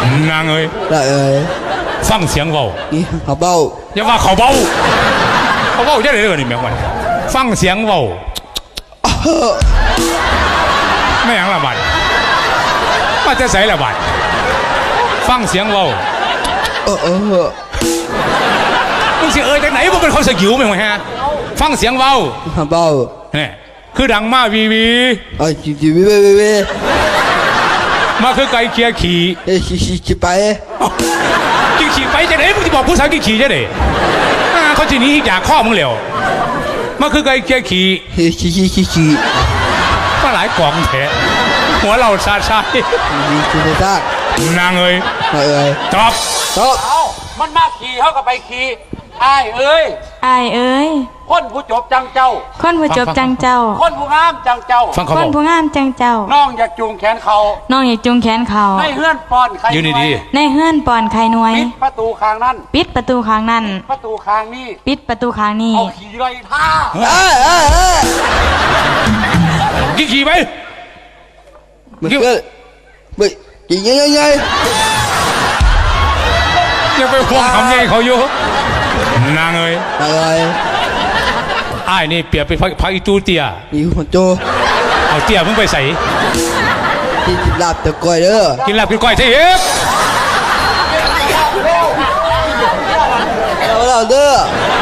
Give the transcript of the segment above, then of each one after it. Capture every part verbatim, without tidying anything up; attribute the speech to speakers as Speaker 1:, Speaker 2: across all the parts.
Speaker 1: นางเอ้ย
Speaker 2: ได้เอ้ย
Speaker 1: ฟังเสียงเบา
Speaker 2: นี่เขาเบา
Speaker 1: อย่าว่าเขาเบาเขาเบาจะได้เลยนี่แม่งวันฟังเสียงเบาไม่ยังละบาดมาจะใส่ละบาดฟังเสียงเบา
Speaker 2: เออเออ
Speaker 1: มึงสิเอ้ยจากไหนมึงเป็นคนสกิวไหมวะฮะฟังเสียงเบา
Speaker 2: เขาเบา
Speaker 1: เนี่ยคือดังมาวีวี
Speaker 2: เอ้ยจีจีวิเววิเว
Speaker 1: มาคือไก่เคียขี่
Speaker 2: เอ้ยขี่ขี่ขี่ไป
Speaker 1: กี่ขี่ไปจะไหนมึงจะบอกผู้สาวกี่ขี่จะไหนเขาจีนี้อยากข้อมึงเหลวมาคือไก่เคียขี่
Speaker 2: เฮ้ยขี่ขี่ขี่ขี่
Speaker 1: มาหลายกล่องแท้หัวเราซาซา
Speaker 2: มีคุณภาพ
Speaker 1: นางเอ้ย
Speaker 2: ได้เอ้ย
Speaker 1: ตอบ
Speaker 2: ตอบ
Speaker 3: เอามันมาขี่เขาก็ไปขี่ไอ้ายเอ้ย
Speaker 4: อายเอ้ย
Speaker 3: คนผู้จบจังเจ้า
Speaker 4: คนผู้จบจังเจ้า
Speaker 3: คนผู้งามจังเจ้า
Speaker 1: ฟังเขา
Speaker 4: ค
Speaker 1: บ
Speaker 4: น
Speaker 1: อก
Speaker 4: ผู้งามจังเจ้า
Speaker 3: น้องอยากจูงแขนเขา
Speaker 4: น้องอย่าจุงแขนเขา
Speaker 3: ให้เฮือนปอนใคร
Speaker 1: ยืนดี
Speaker 4: ในเฮือนปอนไข่หน่วย
Speaker 3: ปิดประตูข้างนั้น
Speaker 4: ปิดประตูข้างนั้น
Speaker 3: ประตูข้างนี้
Speaker 4: ปิดประตูข้างนี้
Speaker 3: เอาขี่ไรท่า
Speaker 2: เอ้ยเอ้ยเอ้ย
Speaker 1: ๆกี่ขี่ไป
Speaker 2: มันก็เฮ้ยยิงยิงยิงยิง
Speaker 1: ยังไปห่วงคำใหญ่เขาอยู่นางเอ้ย
Speaker 2: ได้เอ้ย
Speaker 1: ไอ้นี่เปรียบเป็นพระอีตูเตีย
Speaker 2: มีคนโจ
Speaker 1: เอาเตียมึงไปใส่
Speaker 2: ที่จิบลาบตะกอยเด้อ
Speaker 1: กินลาบกินก้อยเทียบ
Speaker 2: เอาเราเด้อ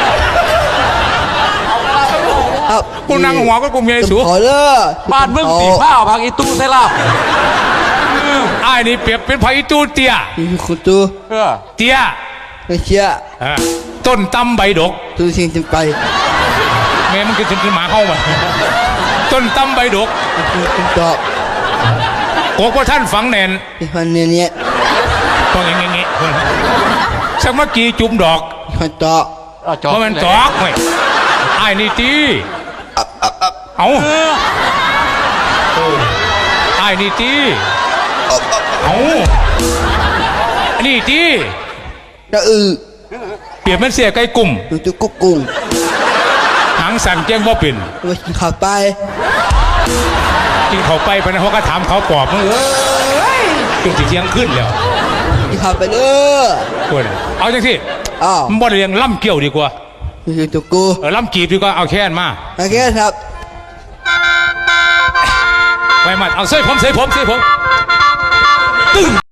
Speaker 2: ครับ
Speaker 1: กูนั่งหัวก็กูเมียสู
Speaker 2: ขอเด้อ
Speaker 3: บ้านมึงตีผ้าพังอีตู้ใส่ลาบ
Speaker 1: ไอ้นี่เปรียบเป็นพระอีตูเตีย
Speaker 2: มีคนโจ
Speaker 3: เออ
Speaker 1: เตีย
Speaker 2: ไม่เชื่อ
Speaker 1: เออต้นตำใบดก
Speaker 2: ตัวสิ่งที่ไป
Speaker 1: แม่มันคือถึงหมาเข้ามาต้นตำใบดก
Speaker 2: คือคุณตอบ
Speaker 1: โกกว่าท่านฝังแน่น
Speaker 2: ที่คนเนี้ยเนี้ย
Speaker 1: ต้องอย่างงี้สักเมื่อกี้จุ่มดอก
Speaker 2: คนตอบ
Speaker 3: เอาจอ
Speaker 1: เพราะมันตอกเว้ยไอ้นี่ตีเอาไอ้นี่ตีเอาอันนี้ตี
Speaker 2: จะอือ
Speaker 1: เปรียบมันเสียไก่กลุ่ม
Speaker 2: ตัวตัวกุ๊กกุ้ง
Speaker 1: หางสั่นเจ้งบ่เป็น
Speaker 2: มากินข้าวไป
Speaker 1: กินเขาไปไปนะเขาก็ถามเขาปอบมึงเอ้ยจุดที่เที่ยงขึ้นแล้ว
Speaker 2: กินข้าวไปเด้อ
Speaker 1: คนเอาจังสิ
Speaker 2: อ้าว
Speaker 1: มันบ่ได้เรียงล่ำเกี่ยวดีกว่า
Speaker 2: นี่คือตัวกู
Speaker 1: เออล่ำกีบดีกว่าเอาแค่นมา
Speaker 2: โอเคครับ
Speaker 1: ไว้มัดเอาเส้ผมเส้ผมเส้ผมตึ้ง